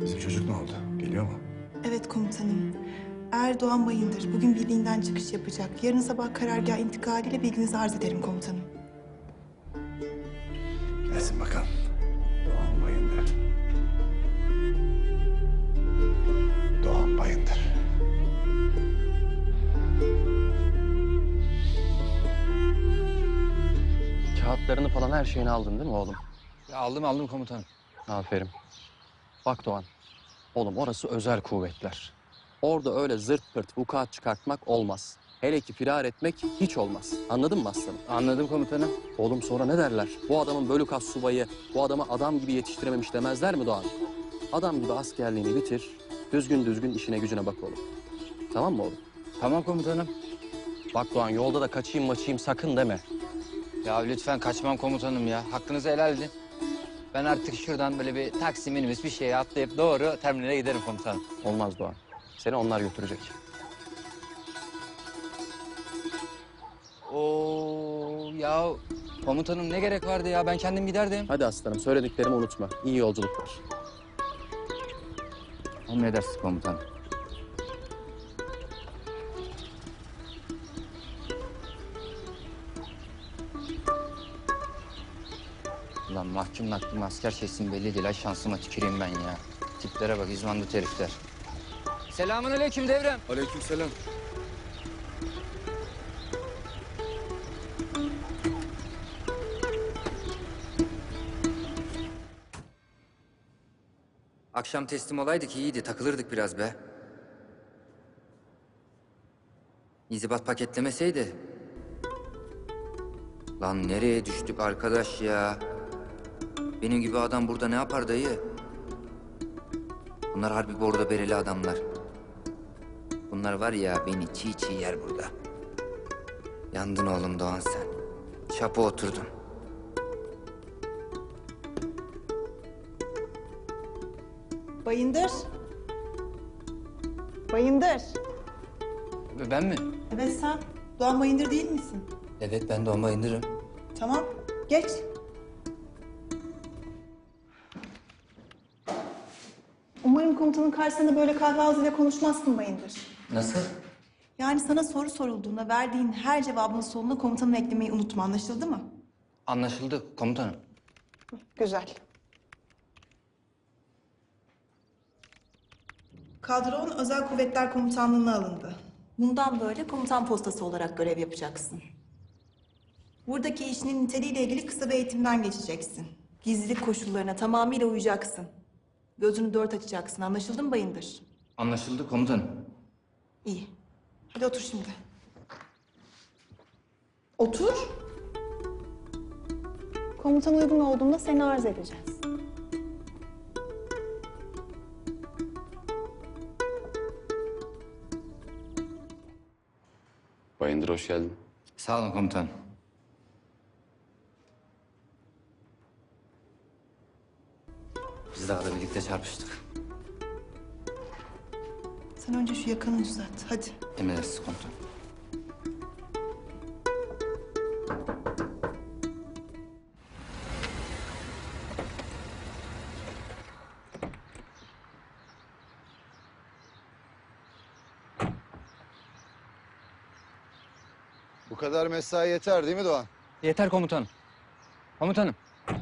Bizim çocuk ne oldu? Geliyor mu? Evet komutanım. Erdoğan Bayındır bugün birliğinden çıkış yapacak. Yarın sabah karargah intikaliyle bilginizi arz ederim komutanım. Gelsin bakalım. Doğan Bayındır. Doğan Bayındır. Kağıtlarını falan her şeyini aldın değil mi oğlum? Ya aldım komutanım. Aferin. Bak Doğan, oğlum orası özel kuvvetler. Orada öyle zırt pırt vukuat çıkartmak olmaz. Hele ki firar etmek hiç olmaz. Anladın mı aslanım? Anladım komutanım. Oğlum sonra ne derler? Bu adamın bölük subayı, bu adamı adam gibi yetiştirememiş demezler mi Doğan? Adam gibi askerliğini bitir, düzgün işine gücüne bak oğlum. Tamam mı oğlum? Tamam komutanım. Bak Doğan, yolda da kaçayım maçayım sakın deme. Ya lütfen kaçmam komutanım ya. Hakkınızı helal edin. Ben artık şuradan böyle bir taksi minibüs bir şeye atlayıp doğru terminale giderim komutanım. Olmaz Doğan. Seni onlar götürecek. Oo ya komutanım ne gerek vardı ya? Ben kendim giderdim. Hadi aslanım, söylediklerimi unutma. İyi yolculuklar. Emredersiniz komutanım. Ulan mahkum asker şeysin belli değil. Ay şansıma tüküreyim ben ya. Tiplere bak izbandut herifler. Selamünaleyküm devrem. Aleykümselam. Akşam teslim olaydık iyiydi. Takılırdık biraz be. İnzibat paketlemeseydi. Lan nereye düştük arkadaş ya? Benim gibi adam burada ne yapar dayı? Bunlar harbi bordo bereli adamlar. Bunlar var ya beni çiğ çiğ yer burada. Yandın oğlum Doğan sen. Çapa oturdun. Bayındır. Bayındır. Ben mi? Evet sen. Doğan Bayındır değil misin? Evet ben Doğan Bayındır'ım. Tamam. Geç. Umarım komutanın karşısında böyle kahve ağzıyla konuşmazsın Bayındır. Nasıl? Yani sana soru sorulduğunda verdiğin her cevabın sonuna komutanı eklemeyi unutma. Anlaşıldı mı? Anlaşıldı komutanım. Güzel. Kadron Özel Kuvvetler Komutanlığı'na alındı. Bundan böyle komutan postası olarak görev yapacaksın. Buradaki işinin niteliğiyle ilgili kısa bir eğitimden geçeceksin. Gizlilik koşullarına tamamıyla uyacaksın. Gözünü dört açacaksın. Anlaşıldı mı Bayındır? Anlaşıldı komutanım. İyi. Hadi otur şimdi. Otur. Komutan uygun olduğunda seni arz edeceğiz. Bayındır hoş geldin. Sağ olun komutanım. Biz daha da birlikte çarpıştık. Sen önce şu yakanı düzelt. Hadi. Emredersiniz komutanım. Bu kadar mesai yeter değil mi Doğan? Yeter komutanım. Komutanım.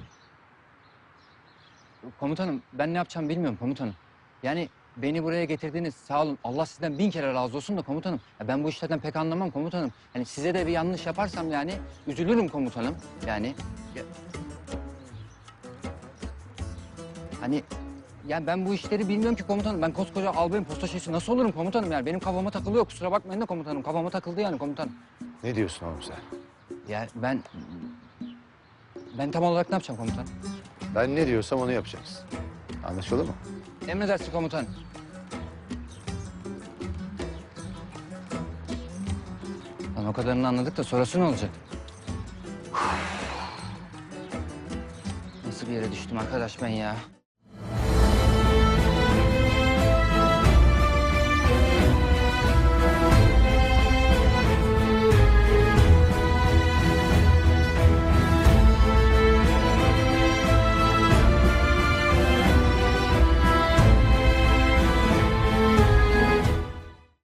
Komutanım ben ne yapacağımı bilmiyorum komutanım. Yani beni buraya getirdiğiniz sağ olun. Allah sizden 1000 kere razı olsun da komutanım. Ya ben bu işlerden pek anlamam komutanım. Yani size de bir yanlış yaparsam yani üzülürüm komutanım. Yani hani yani ben bu işleri bilmiyorum ki komutanım. Ben koskoca albayım posta şeysi nasıl olurum komutanım yani? Benim kafama takılıyor kusura bakmayın da komutanım. Kafama takıldı yani komutanım. Ne diyorsun oğlum sen? Ya ben tam olarak ne yapacağım komutan? Ben ne diyorsam onu yapacaksın. Anlaşıldı mı? Emredersiniz komutan. Lan o kadarını anladık da sonrası ne olacak? Nasıl bir yere düştüm arkadaş ben ya?